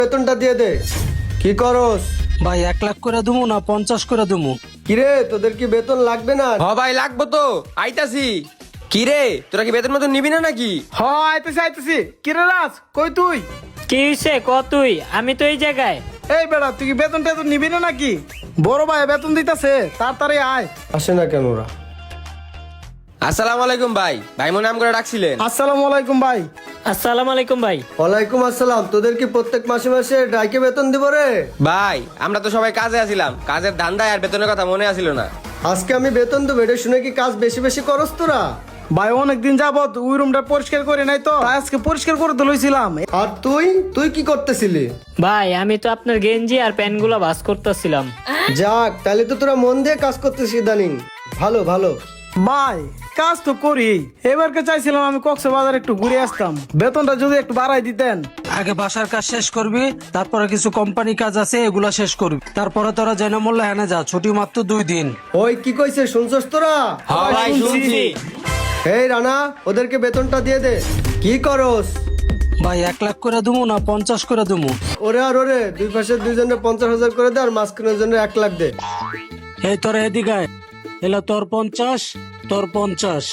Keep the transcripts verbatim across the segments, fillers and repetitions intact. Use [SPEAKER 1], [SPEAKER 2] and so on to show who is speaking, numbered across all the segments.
[SPEAKER 1] বেতনটা দিয়ে দে। কি করস
[SPEAKER 2] ভাই এক লাখ করে দেবো না পঞ্চাশ করে দেবো?
[SPEAKER 1] কিরে, তোদের কি বেতন লাগবে না?
[SPEAKER 3] হ ভাই লাগবো তো, আইতাছি। কি রে, তোরা কি বেতন মতন নিবি না নাকি?
[SPEAKER 4] হ আইতেছি আইতেছি। কিরে রাজ, কই তুই?
[SPEAKER 5] কি হইছে ক তুই? আমি তো এই জায়গায়।
[SPEAKER 4] এই বেড়া, তুই কি বেতন টেতন নিবি না নাকি? বড় ভাই বেতন দিতেছে, তাড়াতাড়ি আয়।
[SPEAKER 1] আসে না কেন ওরা?
[SPEAKER 3] আসসালামু আলাইকুম ভাই। ভাই মনে নাম করে ডাকছিলেন?
[SPEAKER 4] আসসালামু আলাইকুম ভাই।
[SPEAKER 5] আসসালামু আলাইকুম ভাই।
[SPEAKER 1] ওয়ালাইকুম আসসালাম। তোদের কি প্রত্যেক মাসে মাসে ডাইকে বেতন দিব রে?
[SPEAKER 3] ভাই আমরা তো সবাই কাজে আছিলাম, কাজের ধান্দায় আর বেতনের কথা মনে আসিল না।
[SPEAKER 1] আজকে আমি বেতন দেবো, এটা শুনে কি কাজ বেশি বেশি করস তোরা?
[SPEAKER 4] ভাই অনেকদিন যাবত ওই রুমটা পরিষ্কার করে নাই তো, তাই আজকে পরিষ্কার করে তো লইছিলাম।
[SPEAKER 1] আর তুই তুই কি করতেছিলি?
[SPEAKER 5] ভাই আমি তো আপনার গেঞ্জি আর প্যান্ট গুলা ভাস করতেছিলাম।
[SPEAKER 1] যাক, তাহলে তো তোরা মন দিয়ে কাজ করতেছিস ইদানিং। ভালো ভালো।
[SPEAKER 4] ভাই কাজ তো করি, এবারকে চাইছিলাম আমি কক্সবাজার একটু ঘুরে আসতাম, বেতনটা যদি একটু বাড়াই দিতেন।
[SPEAKER 2] আগে বাসার কাজ শেষ করবি, তারপরে কিছু কোম্পানি কাজ আছে এগুলা শেষ করবি, তারপরে তোরা জেনে মূল্য হেনে যা, ছুটি মাত্র দুই দিন।
[SPEAKER 1] ওই কি কইছে শুনছস তোরা?
[SPEAKER 3] হ্যাঁ ভাই শুনছি।
[SPEAKER 1] এই রানা, ওদেরকে বেতনটা দিয়ে দে। কি করস?
[SPEAKER 2] ভাই এক লাখ করে দেবো না পঞ্চাশ করে দেবো?
[SPEAKER 1] ওরে আর ওরে, দুই পাশে দুইজনে পঞ্চাশ হাজার করে দে, আর মাঝখানের জন্য এক লাখ দে।
[SPEAKER 2] এই তোরা এদিকে আয়। এলা তোর পঞ্চাশ, তোর পঞ্চাশ।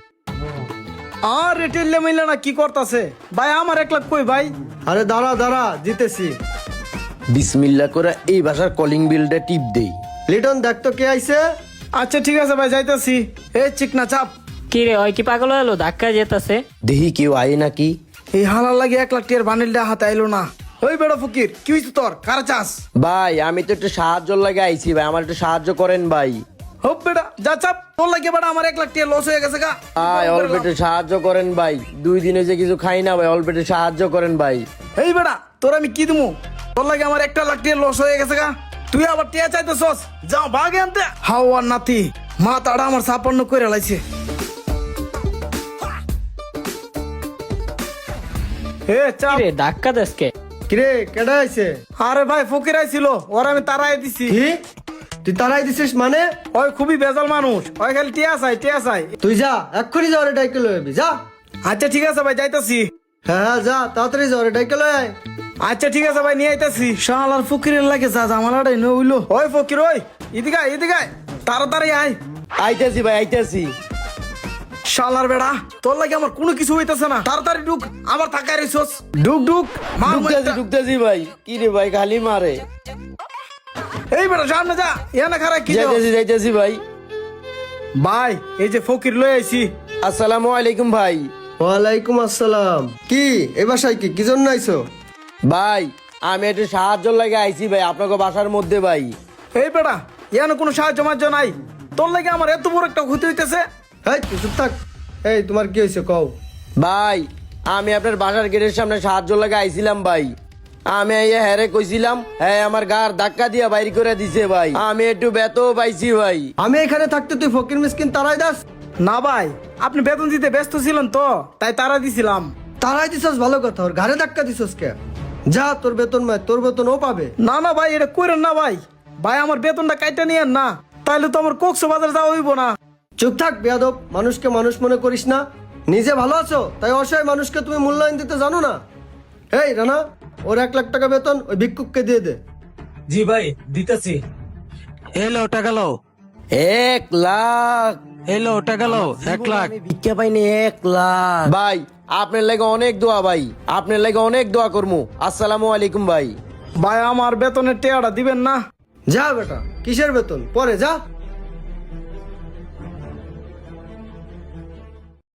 [SPEAKER 4] আর রেটেল মিলে না কি করতেছে ভাই? আমার এক লাখ কই ভাই?
[SPEAKER 1] আরে দাঁড়া দাঁড়া, দিতেছি।
[SPEAKER 6] বিসমিল্লা করে এই ভাষার কলিং বিলটা টিপ দেই।
[SPEAKER 1] লিটন দেখ তো কে আইছে।
[SPEAKER 4] আচ্ছা ঠিক আছে ভাই, যাইতাছি। এই চিকনা চাপ।
[SPEAKER 5] কি রে, ওই কি পাগল হলো? ধাক্কা যেতেছে।
[SPEAKER 6] দেহি কেউ আয় নাকি?
[SPEAKER 4] এই হালার লাগে এক লাখ টিয়ার বান্ডিলটা হাতে আইলো না। ওই বেড়া ফকির, কি হইছে তোর? কারা চাস?
[SPEAKER 6] ভাই আমি তো একটু সাহায্য লাগে আইছি ভাই, আমার একটু সাহায্য করেন ভাই।
[SPEAKER 4] হোপ বেড়া, যা চাপ। তোর লাগে বেড়া আমার এক লাখ টিয়ার লস হয়ে গেছে গা।
[SPEAKER 6] ভাই অল্প একটু সাহায্য করেন ভাই, দুই দিনে যে কিছু খাই না ভাই, অল্প একটু সাহায্য করেন ভাই।
[SPEAKER 4] এই বেড়া, তোর আমি কি দিমু? তোর লাগে আমার একটা লাখ টিয়ার লস হয়ে গেছে গা। তুই আবার টিয়া চাইতেছস? যাও ভাগে আনতে। হাওয়ার নাতি, মা তাড়া আমার সাপান্ন করে লাইছে। এ
[SPEAKER 5] কি
[SPEAKER 4] চাপ।
[SPEAKER 5] রে ধাক্কা দেশকে?
[SPEAKER 1] কিরে, কেডা আইছে?
[SPEAKER 4] আরে ভাই ফকির আইছিল, ওর আমি তারাই দিছি।
[SPEAKER 1] কি তুই তারাই দিছিস মানে?
[SPEAKER 4] ওই খুবই বেজাল মানুষ, ওই খালি টিয়া চাই টিয়া চাই।
[SPEAKER 1] তুই যা, এক্ষুনি যা, ওরে ডাইকে লয়ে আবি, যা।
[SPEAKER 4] আচ্ছা ঠিক আছে ভাই, যাইতাছি।
[SPEAKER 1] হ্যাঁ হ্যাঁ যা, তাড়াতাড়ি যা, ওরে ডাইকে লয়ে আয়।
[SPEAKER 4] আচ্ছা ঠিক আছে ভাই, নিয়ে আইতাছি। শালার ফকিরের লাগে যা জামালাটাই ন হইলো। ওই ফকির, ওই এদিকে আয়, এদিকে আয়, তাড়াতাড়ি আয়।
[SPEAKER 6] আইতাছি ভাই আইতাছি।
[SPEAKER 4] শালার বেড়া, তোর লাগে আমার কোনো কিছু হইতাছে না। তাড়াতাড়ি ঢুক, আমার থাকায় রইছস। ঢুক ঢুক, মার
[SPEAKER 6] ঢুকতেছি
[SPEAKER 4] মাইরটা।
[SPEAKER 6] ঢুকতেছি ভাই। কি রে ভাই খালি মারে?
[SPEAKER 4] এই বেড়া সামনে যা, এখানে খারাপ কি দেও?
[SPEAKER 6] যাইতেছি যাইতেছি ভাই।
[SPEAKER 4] ভাই এই যে ফকির লই আইছি।
[SPEAKER 6] আসসালামু আলাইকুম ভাই।
[SPEAKER 1] ওয়ালাইকুম আসসালাম। কি এই বাসায় কি কি জন্য আইছো?
[SPEAKER 6] ভাই আমি একটু সাহায্য লাগে আইছি ভাই আপনাকে বাসার মধ্যে ভাই।
[SPEAKER 4] এই বেড়া, এখানে কোনো সাহায্য মার্য নাই। তোর লাগে আমার এত বড় একটা ক্ষতি হইতেছে।
[SPEAKER 1] এই তুই চুপ থাক। এই তোমার কি হয়েছে কও?
[SPEAKER 6] ভাই আমি আপনার বাসার গেটের সামনে সাহায্য লাগে আইছিলাম ভাই। আমি এই হ্যারে কইছিলাম, হ্যাঁ আমার গার ধাক্কা দিয়া বাইর করে দিছে ভাই। আমি একটু ব্যথও পাইছি ভাই।
[SPEAKER 1] আমি এখানে থাকতে তুই ফকির মিসকিন তারাই দাস?
[SPEAKER 4] না ভাই, আপনি বেতন দিতে ব্যস্ত ছিলেন তো, তাই তারা দিছিলাম।
[SPEAKER 1] তারাই দিছস ভালো কথা, ওর ঘাড়ে ধাক্কা দিছস কে? যা, তোর বেতন মায়, তোর বেতন ও পাবে।
[SPEAKER 4] না না ভাই, এটা করেন না ভাই। ভাই আমার বেতনটা কাইটা নিয়েন না, তাইলে তো আমার কক্সবাজার যাওয়া হইব না।
[SPEAKER 1] চুপ থাক বেয়াদব, মানুষকে মানুষ মনে করিস না। নিজে ভালো আছো তাই অসহায় মানুষকে তুমি মূল্যায়ন দিতে জানো না। এই রানা, ওর এক লাখ টাকা বেতন ওই ভিক্ষুককে দিয়ে দে।
[SPEAKER 2] জি ভাই দিতেছি। এলো ওটা গেল,
[SPEAKER 6] এক লাখ।
[SPEAKER 2] এলো ওটা গেল এক লাখ।
[SPEAKER 6] আমি ভিক্ষা পাইনি এক লাখ। ভাই আপনার লাগে অনেক দোয়া ভাই, আপনার লাগে অনেক দোয়া করমু। আসসালামু আলাইকুম ভাই।
[SPEAKER 4] ভাই আমার বেতনের টেয়াটা দিবেন না?
[SPEAKER 1] যা বেটা, কিসের বেতন পরে যা।